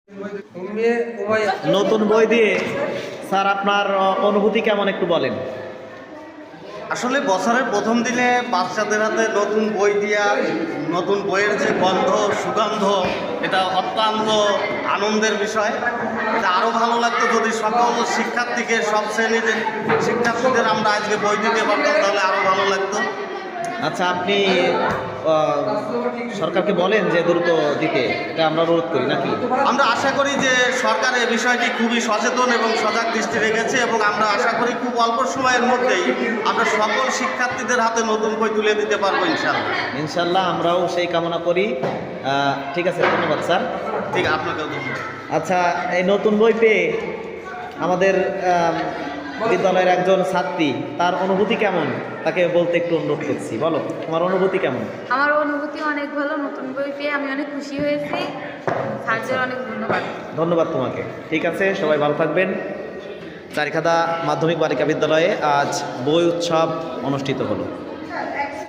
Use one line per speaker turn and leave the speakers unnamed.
নতুন বই দিয়ে স্যার আপনার অনুভূতি কেমন একটু বলেন।
আসলে বছরের প্রথম দিনে বাচ্চাদের হাতে নতুন বই দিয়া নতুন বইয়ের যে গন্ধ সুগন্ধ, এটা অত্যন্ত আনন্দের বিষয়। এটা আরও ভালো লাগতো যদি সকল শিক্ষার্থীকে, সব শ্রেণীর শিক্ষার্থীদের আমরা আজকে বই দিতে পারতাম, তাহলে আরও ভালো লাগতো।
আচ্ছা, আপনি সরকারকে বলেন যে দ্রুত দিতে, এটা আমরা অনুরোধ করি নাকি?
আমরা আশা করি যে সরকার এই বিষয়টি খুবই সচেতন এবং সজাগ দৃষ্টি রেখেছে, এবং আমরা আশা করি খুব অল্প সময়ের মধ্যেই আমরা সকল শিক্ষার্থীদের হাতে নতুন বই তুলে দিতে পারবো ইনশাল্লাহ।
ইনশাল্লাহ আমরাও সেই কামনা করি। ঠিক আছে, ধন্যবাদ স্যার।
ঠিক, আপনাকেও ধন্যবাদ।
আচ্ছা, এই নতুন বই পেয়ে আমাদের বিদ্যালয়ের একজন ছাত্রী, তার অনুভূতি কেমন তাকে বলতে একটু অনুরোধ করছি। বলো, তোমার অনুভূতি কেমন?
আমার অনুভূতি অনেক ভালো। নতুন বই পেয়ে আমি অনেক খুশি হয়েছি। স্যারদের অনেক ধন্যবাদ।
ধন্যবাদ তোমাকে। ঠিক আছে, সবাই ভালো থাকবেন। চারিখাদা মাধ্যমিক বালিকা বিদ্যালয়ে আজ বই উৎসব অনুষ্ঠিত হলো।